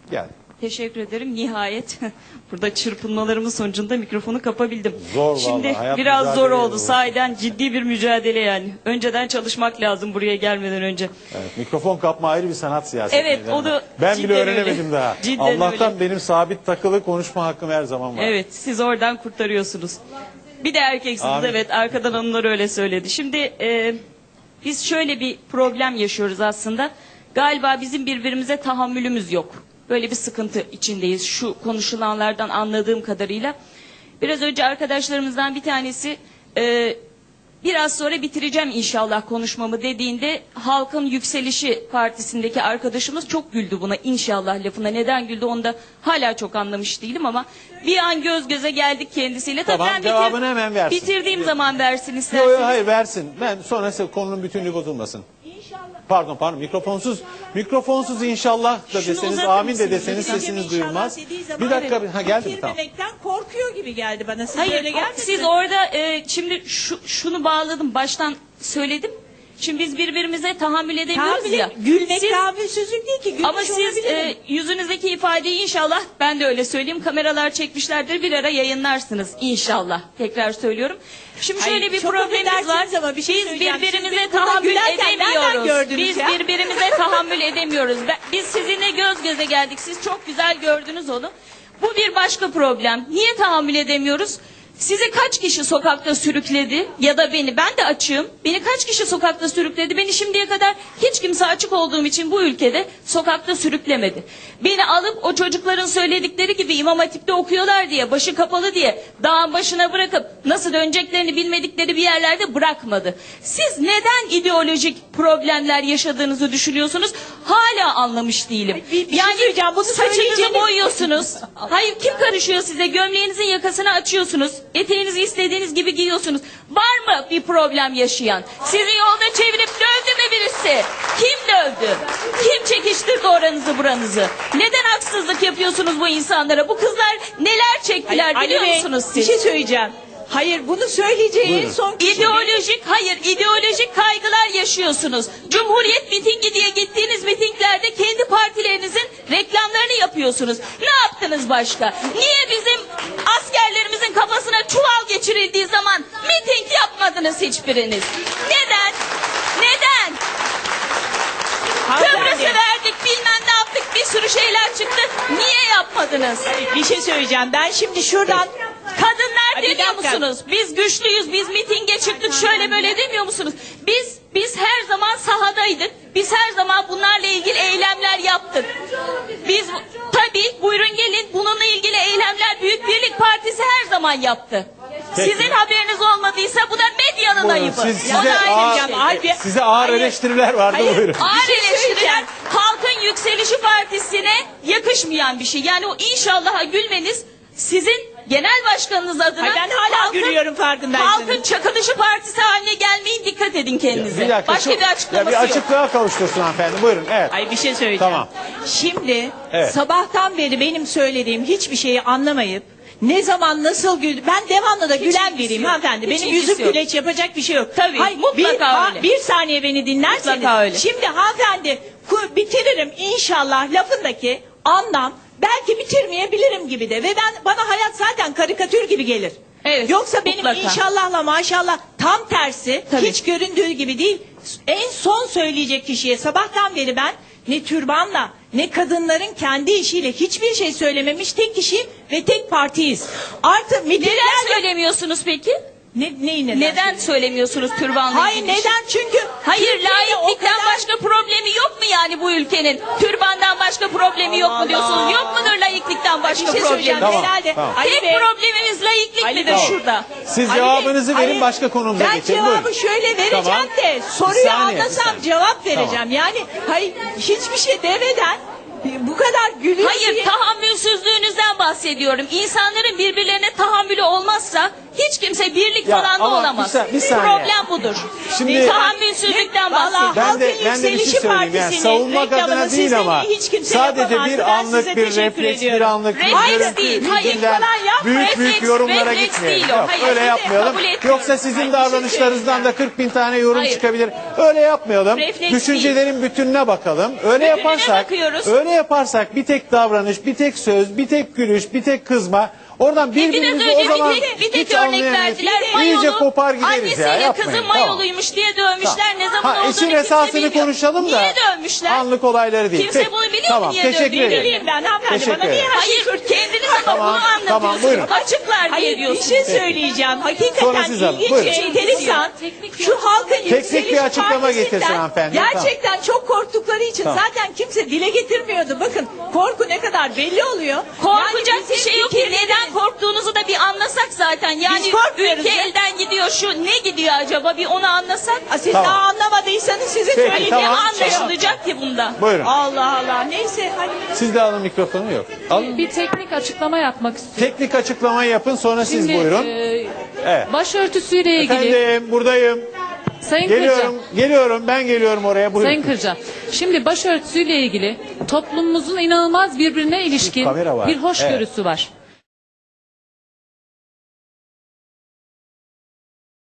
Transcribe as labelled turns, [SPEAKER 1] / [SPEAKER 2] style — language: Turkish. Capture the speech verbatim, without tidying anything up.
[SPEAKER 1] Gel.
[SPEAKER 2] Teşekkür ederim. Nihayet burada çırpınmalarımın sonucunda mikrofonu kapabildim.
[SPEAKER 1] Zor
[SPEAKER 2] Şimdi
[SPEAKER 1] vallahi, hayat
[SPEAKER 2] biraz zor
[SPEAKER 1] mücadele
[SPEAKER 2] oldu.
[SPEAKER 1] bu.
[SPEAKER 2] Sahiden ciddi bir mücadele yani. Önceden çalışmak lazım buraya gelmeden önce.
[SPEAKER 1] Evet, mikrofon kapma ayrı bir sanat siyaseti.
[SPEAKER 2] Evet, o da
[SPEAKER 1] ben
[SPEAKER 2] cidden
[SPEAKER 1] bile öğrenemedim
[SPEAKER 2] öyle.
[SPEAKER 1] daha.
[SPEAKER 2] Cidden
[SPEAKER 1] Allah'tan
[SPEAKER 2] öyle.
[SPEAKER 1] benim sabit takılı konuşma hakkım her zaman var.
[SPEAKER 2] Evet, siz oradan kurtarıyorsunuz. Bir de erkeksiniz,
[SPEAKER 1] Amin.
[SPEAKER 2] evet. Arkadan onlar öyle söyledi. Şimdi e, biz şöyle bir problem yaşıyoruz aslında. Galiba bizim birbirimize tahammülümüz yok. Böyle bir sıkıntı içindeyiz şu konuşulanlardan anladığım kadarıyla. Biraz önce arkadaşlarımızdan bir tanesi e, biraz sonra bitireceğim inşallah konuşmamı dediğinde Halkın Yükselişi Partisi'ndeki arkadaşımız çok güldü buna, inşallah lafına. Neden güldü onu da hala çok anlamış değilim ama bir an göz göze geldik kendisiyle. Tabii
[SPEAKER 1] Tamam,
[SPEAKER 2] ben
[SPEAKER 1] cevabını hemen versin.
[SPEAKER 2] Bitirdiğim zaman versin
[SPEAKER 1] Yok
[SPEAKER 2] isterseniz.
[SPEAKER 1] yok hayır versin. Ben sonra size konunun bütünlüğü bozulmasın. Pardon pardon mikrofonsuz mikrofonsuz inşallah da
[SPEAKER 3] Şunu
[SPEAKER 1] deseniz
[SPEAKER 3] uzatır
[SPEAKER 1] amin de
[SPEAKER 3] mısınız?
[SPEAKER 1] deseniz
[SPEAKER 3] Hocam,
[SPEAKER 1] sesiniz
[SPEAKER 3] inşallah
[SPEAKER 1] duyulmaz.
[SPEAKER 3] dediği zaman
[SPEAKER 1] Bir dakika
[SPEAKER 3] evet,
[SPEAKER 1] ha geldi mi tamam.
[SPEAKER 3] bitirmemekten korkuyor gibi geldi bana. Siz
[SPEAKER 2] Hayır,
[SPEAKER 3] öyle gelmedi
[SPEAKER 2] siz
[SPEAKER 3] mi?
[SPEAKER 2] orada e, şimdi şu, şunu bağladım, baştan söyledim. Şimdi biz birbirimize tahammül edemiyoruz
[SPEAKER 3] Tahammül-
[SPEAKER 2] ya.
[SPEAKER 3] Gülmek
[SPEAKER 2] Siz-
[SPEAKER 3] tahammülsüzlük değil ki. Gülmüş
[SPEAKER 2] Ama siz
[SPEAKER 3] olabilirim.
[SPEAKER 2] e, yüzünüzdeki ifadeyi inşallah, ben de öyle söyleyeyim, kameralar çekmişlerdir, bir ara yayınlarsınız inşallah. Tekrar söylüyorum. Şimdi şöyle
[SPEAKER 3] Hayır,
[SPEAKER 2] bir
[SPEAKER 3] çok
[SPEAKER 2] problemimiz var.
[SPEAKER 3] affedersiniz ama bir şey
[SPEAKER 2] Biz
[SPEAKER 3] söyleyeceğim. Siz
[SPEAKER 2] birbirimize
[SPEAKER 3] beni burada
[SPEAKER 2] tahammül
[SPEAKER 3] gülerken nereden
[SPEAKER 2] edemiyoruz.
[SPEAKER 3] gördünüz
[SPEAKER 2] Biz
[SPEAKER 3] ya?
[SPEAKER 2] birbirimize tahammül edemiyoruz. Ben- Biz sizinle göz göze geldik. Siz çok güzel gördünüz onu. Bu bir başka problem. Niye tahammül edemiyoruz? Sizi kaç kişi sokakta sürükledi ya da beni, ben de açığım. Beni kaç kişi sokakta sürükledi? Beni şimdiye kadar hiç kimse açık olduğum için bu ülkede sokakta sürüklemedi. Beni alıp o çocukların söyledikleri gibi İmam Hatip'te okuyorlar diye, başı kapalı diye dağın başına bırakıp nasıl döneceklerini bilmedikleri bir yerlerde bırakmadı. Siz neden ideolojik problemler yaşadığınızı düşünüyorsunuz? Hala anlamış değilim.
[SPEAKER 3] bir- bir şey söyleyeceğim, bunu
[SPEAKER 2] saçınızı
[SPEAKER 3] söyleyeceğiniz-
[SPEAKER 2] boyuyorsunuz. Hayır, kim karışıyor size? Gömleğinizin yakasını açıyorsunuz. Eteğinizi istediğiniz gibi giyiyorsunuz. Var mı bir problem yaşayan? Sizi yolda çevirip dövdü mü birisi? Kim dövdü? Kim çekiştirdi oranızı buranızı? Neden haksızlık yapıyorsunuz bu insanlara? Bu kızlar neler çektiler
[SPEAKER 3] Ali
[SPEAKER 2] biliyor
[SPEAKER 3] Bey,
[SPEAKER 2] musunuz
[SPEAKER 3] bir
[SPEAKER 2] siz?
[SPEAKER 3] şey söyleyeceğim. Hayır, bunu söyleyeceği
[SPEAKER 1] Buyurun.
[SPEAKER 3] son kişi.
[SPEAKER 2] İdeolojik, hayır ideolojik kaygılar yaşıyorsunuz. Cumhuriyet mitingi diye gittiğiniz mitinglerde kendi partilerinizin reklamlarını yapıyorsunuz. Ne yaptınız başka? Niye bizim askerlerimizin kafasına çuval geçirildiği zaman miting yapmadınız hiçbiriniz? Neden? Neden?
[SPEAKER 3] Hanımefendi,
[SPEAKER 2] Kıbrıs'ı verdik, bilmem ne yaptık, bir sürü şeyler çıktı. Niye yapmadınız?
[SPEAKER 3] bir şey söyleyeceğim. Ben şimdi şuradan...
[SPEAKER 2] Kadınlar
[SPEAKER 3] Ay, bir
[SPEAKER 2] demiyor
[SPEAKER 3] dakika.
[SPEAKER 2] musunuz? Biz güçlüyüz, biz mitinge çıktık, şöyle böyle demiyor musunuz? Biz biz her zaman sahadaydık. Biz her zaman bunlarla ilgili eylemler yaptık. Biz tabii buyurun gelin, bununla ilgili eylemler Büyük Birlik Partisi her zaman yaptı.
[SPEAKER 1] Peki.
[SPEAKER 2] Sizin haberiniz olmadıysa bu da medyanın
[SPEAKER 1] Buyurun,
[SPEAKER 2] ayıbı.
[SPEAKER 1] siz-
[SPEAKER 2] O da
[SPEAKER 1] size
[SPEAKER 2] ayrı
[SPEAKER 1] ağır-
[SPEAKER 2] bir şey.
[SPEAKER 3] Halbuki-
[SPEAKER 1] Size ağır
[SPEAKER 3] Hayır.
[SPEAKER 1] eleştiriler vardı
[SPEAKER 3] Hayır.
[SPEAKER 1] buyurun.
[SPEAKER 2] Ağır
[SPEAKER 3] Bir şey
[SPEAKER 2] eleştiriler
[SPEAKER 3] söyleyeceğim.
[SPEAKER 2] Halkın Yükselişi Partisi'ne yakışmayan bir şey. Yani o inşallah'a gülmeniz sizin genel başkanınız adına...
[SPEAKER 3] Ay, ben hala gülüyorum, farkındaysanız.
[SPEAKER 2] Halkın Çakılışı Partisi haline gelmeyin, dikkat edin kendinize.
[SPEAKER 1] Bir dakika,
[SPEAKER 2] Başka
[SPEAKER 1] şu-
[SPEAKER 2] bir açıklaması
[SPEAKER 1] ya bir
[SPEAKER 2] yok.
[SPEAKER 1] açıklığa kavuştursun hanımefendi buyurun evet.
[SPEAKER 3] Ay bir şey söyleyeceğim.
[SPEAKER 1] Tamam.
[SPEAKER 3] Şimdi
[SPEAKER 1] Evet.
[SPEAKER 3] sabahtan beri benim söylediğim hiçbir şeyi anlamayıp ne zaman nasıl güldü. Ben devamlı da gülen
[SPEAKER 2] ilgisi
[SPEAKER 3] biriyim
[SPEAKER 2] yok.
[SPEAKER 3] hanımefendi.
[SPEAKER 2] Hiç
[SPEAKER 3] Benim
[SPEAKER 2] ilgisi
[SPEAKER 3] yüzüm
[SPEAKER 2] yok.
[SPEAKER 3] güleç yapacak bir şey yok.
[SPEAKER 2] Tabii, mutlaka
[SPEAKER 3] bir, ha-
[SPEAKER 2] öyle.
[SPEAKER 3] bir saniye beni dinlerseniz.
[SPEAKER 2] Mutlaka öyle.
[SPEAKER 3] Şimdi hanımefendi ku- bitiririm inşallah lafındaki anlam belki bitirmeyebilirim gibi de. Ve ben bana hayat zaten karikatür gibi gelir.
[SPEAKER 2] Evet,
[SPEAKER 3] Yoksa benim
[SPEAKER 2] mutlaka.
[SPEAKER 3] inşallahla maşallah tam tersi
[SPEAKER 2] Tabii.
[SPEAKER 3] hiç göründüğü gibi değil. En son söyleyecek kişiye sabahtan beri ben ne türbanla ne kadınların kendi işiyle hiçbir şey söylememiş tek kişiyim ve tek partiyiz. Artı
[SPEAKER 2] Neden
[SPEAKER 3] mitinglerle...
[SPEAKER 2] söylemiyorsunuz peki?
[SPEAKER 3] Ne, neyi neden?
[SPEAKER 2] Neden söylemiyorsunuz türbanla
[SPEAKER 3] Hayır
[SPEAKER 2] ilgili?
[SPEAKER 3] neden? Çünkü
[SPEAKER 2] Hayır,
[SPEAKER 3] Türkiye'de o
[SPEAKER 2] laiklikten
[SPEAKER 3] kadar-
[SPEAKER 2] başka problemi yok mu yani bu ülkenin? Türbandan başka problemi yok
[SPEAKER 3] Allah
[SPEAKER 2] mu diyorsunuz?
[SPEAKER 3] Allah.
[SPEAKER 2] Yok mudur laiklikten başka
[SPEAKER 3] Bir şey
[SPEAKER 2] problemi?
[SPEAKER 3] söyleyeceğim.
[SPEAKER 1] Tamam,
[SPEAKER 3] Herhalde.
[SPEAKER 1] tamam.
[SPEAKER 3] Ali
[SPEAKER 2] Tek
[SPEAKER 3] Bey-
[SPEAKER 2] problemimiz laiklik
[SPEAKER 3] Ali
[SPEAKER 2] midir
[SPEAKER 3] Bey.
[SPEAKER 2] şurada?
[SPEAKER 1] Siz
[SPEAKER 3] Ali
[SPEAKER 1] cevabınızı
[SPEAKER 3] Bey,
[SPEAKER 1] verin
[SPEAKER 3] hayır,
[SPEAKER 1] başka konumuza
[SPEAKER 3] ben
[SPEAKER 1] geçelim.
[SPEAKER 3] cevabı
[SPEAKER 1] Buyurun.
[SPEAKER 3] şöyle vereceğim
[SPEAKER 1] Tamam.
[SPEAKER 3] de
[SPEAKER 1] Bir
[SPEAKER 3] soruyu
[SPEAKER 1] saniye, bir
[SPEAKER 3] anlasam
[SPEAKER 1] saniye.
[SPEAKER 3] cevap vereceğim.
[SPEAKER 1] Tamam.
[SPEAKER 3] Yani hayır hiçbir şey demeden bu kadar gülüyor
[SPEAKER 2] Hayır,
[SPEAKER 3] diye-
[SPEAKER 2] tahammülsüzlüğünüzden bahsediyorum. İnsanların birbirlerine tahammülü olmazsa hiç kimse birlik
[SPEAKER 1] Ya,
[SPEAKER 2] falan da
[SPEAKER 1] ama
[SPEAKER 2] olamaz.
[SPEAKER 1] bir sa- bir saniye.
[SPEAKER 2] Problem budur.
[SPEAKER 1] Şimdi-
[SPEAKER 2] tahammülsüzlükten
[SPEAKER 3] Vallahi
[SPEAKER 2] bahsediyorum.
[SPEAKER 1] Ben de,
[SPEAKER 3] Halkın
[SPEAKER 1] ben de bir şey
[SPEAKER 3] Yükselişi
[SPEAKER 1] söyleyeyim yani
[SPEAKER 3] Partisi'nin
[SPEAKER 1] savunmak adına
[SPEAKER 3] reklamını
[SPEAKER 1] değil
[SPEAKER 3] sizden
[SPEAKER 1] ama
[SPEAKER 3] iyi hiç kimse
[SPEAKER 1] sadece
[SPEAKER 3] yapamazdı.
[SPEAKER 1] bir
[SPEAKER 3] Ben
[SPEAKER 1] anlık
[SPEAKER 3] size
[SPEAKER 1] bir
[SPEAKER 3] teşekkür
[SPEAKER 1] refleks bir
[SPEAKER 3] ediyorum.
[SPEAKER 1] anlık bir
[SPEAKER 2] Refleks
[SPEAKER 1] görüntü
[SPEAKER 2] değil, hayır.
[SPEAKER 1] yüzünden
[SPEAKER 3] Falan yap,
[SPEAKER 1] büyük büyük
[SPEAKER 2] refleks,
[SPEAKER 1] yorumlara
[SPEAKER 2] refleks
[SPEAKER 1] gitmeyelim.
[SPEAKER 2] değil o.
[SPEAKER 1] Yok,
[SPEAKER 2] Hayır,
[SPEAKER 1] öyle
[SPEAKER 2] sizi
[SPEAKER 1] yapmayalım.
[SPEAKER 2] kabul etmiyorum.
[SPEAKER 1] Yoksa sizin
[SPEAKER 3] Hayır,
[SPEAKER 1] davranışlarınızdan da kırk bin tane yorum
[SPEAKER 2] Hayır.
[SPEAKER 1] çıkabilir. Öyle yapmayalım.
[SPEAKER 2] Refleks
[SPEAKER 1] Düşüncelerin bütününe bakalım. Öyle
[SPEAKER 2] Bütününe
[SPEAKER 1] yaparsak
[SPEAKER 2] bakıyoruz.
[SPEAKER 1] öyle Böyle yaparsak bir tek davranış, bir tek söz, bir tek gülüş, bir tek kızma. Oradan
[SPEAKER 2] Biraz
[SPEAKER 1] birbirimizi
[SPEAKER 2] önce
[SPEAKER 1] o zaman
[SPEAKER 2] bir tek, bir tek
[SPEAKER 1] hiç
[SPEAKER 2] örnek
[SPEAKER 1] anlayamayız.
[SPEAKER 2] verdiler.
[SPEAKER 1] İyice
[SPEAKER 2] Mayolu,
[SPEAKER 1] kopar gideriz
[SPEAKER 2] annesiyle
[SPEAKER 1] ya. Yapmayın.
[SPEAKER 2] kızı
[SPEAKER 1] Tamam.
[SPEAKER 2] mayoluymuş diye dövmüşler. Ne zaman
[SPEAKER 1] Ha,
[SPEAKER 2] olduğunu
[SPEAKER 1] işin
[SPEAKER 2] kimse
[SPEAKER 1] esasını
[SPEAKER 2] bilmiyor.
[SPEAKER 1] konuşalım da.
[SPEAKER 2] Niye dövmüşler?
[SPEAKER 1] Anlık olayları değil.
[SPEAKER 2] Kimse
[SPEAKER 1] Peki,
[SPEAKER 2] bunu biliyor
[SPEAKER 1] tamam,
[SPEAKER 2] mu niye
[SPEAKER 1] teşekkür
[SPEAKER 2] dövdüğünü?
[SPEAKER 1] ederim.
[SPEAKER 3] Bileyim ben hanımefendi.
[SPEAKER 1] Teşekkür
[SPEAKER 3] Bana niye
[SPEAKER 1] ederim.
[SPEAKER 3] her şeyi
[SPEAKER 2] Hayır, kendiniz ama
[SPEAKER 1] Tamam,
[SPEAKER 2] bunu
[SPEAKER 1] tamam,
[SPEAKER 2] anlatıyorsunuz.
[SPEAKER 1] buyurun.
[SPEAKER 2] Açıklar diye
[SPEAKER 3] Hayır bir
[SPEAKER 2] diyorsunuz.
[SPEAKER 3] şey söyleyeceğim.
[SPEAKER 1] Sonra
[SPEAKER 3] Hakikaten
[SPEAKER 1] siz alın.
[SPEAKER 3] ilginç
[SPEAKER 1] Buyurun.
[SPEAKER 3] ve enteresan. Şu halkın
[SPEAKER 1] Teknik bir
[SPEAKER 3] yükselişi
[SPEAKER 1] açıklama
[SPEAKER 3] partisinden
[SPEAKER 1] getirsin hanımefendi.
[SPEAKER 3] gerçekten çok korktukları için
[SPEAKER 1] Tamam.
[SPEAKER 3] zaten kimse dile getirmiyordu. Bakın korku ne kadar belli oluyor.
[SPEAKER 2] Korkacak
[SPEAKER 3] Yani
[SPEAKER 2] bir
[SPEAKER 3] bizim
[SPEAKER 2] şey yok ki.
[SPEAKER 3] fikirlerimiz-
[SPEAKER 2] Neden korktuğunuzu da bir anlasak zaten. Yani
[SPEAKER 3] Biz korkmuyoruz
[SPEAKER 2] ülke
[SPEAKER 3] ya.
[SPEAKER 2] elden gidiyor. Şu ne gidiyor acaba? Bir onu anlasak.
[SPEAKER 3] Aa, Siz
[SPEAKER 1] Tamam.
[SPEAKER 3] daha anlamadıysanız size
[SPEAKER 1] Peki,
[SPEAKER 3] söyleyeceğim.
[SPEAKER 1] tamam.
[SPEAKER 2] Ne anlaşılacak ki bunda?
[SPEAKER 1] Buyurun.
[SPEAKER 3] Allah Allah. Neyse hadi.
[SPEAKER 1] Siz de alın mikrofonu yok. Alın.
[SPEAKER 4] Bir teknik açıklama yapmak istiyorum.
[SPEAKER 1] Teknik açıklamayı yapın sonra siz
[SPEAKER 4] Şimdi,
[SPEAKER 1] buyurun.
[SPEAKER 4] e,
[SPEAKER 1] Evet.
[SPEAKER 4] başörtüsüyle ilgili
[SPEAKER 1] Efendim buradayım.
[SPEAKER 4] Sayın Kırca,
[SPEAKER 1] Geliyorum. Geliyorum. Ben geliyorum oraya. Buyurun.
[SPEAKER 4] Sayın Kırca. Şimdi başörtüsüyle ilgili toplumumuzun inanılmaz birbirine ilişkin
[SPEAKER 1] kamera var.
[SPEAKER 4] bir hoşgörüsü var.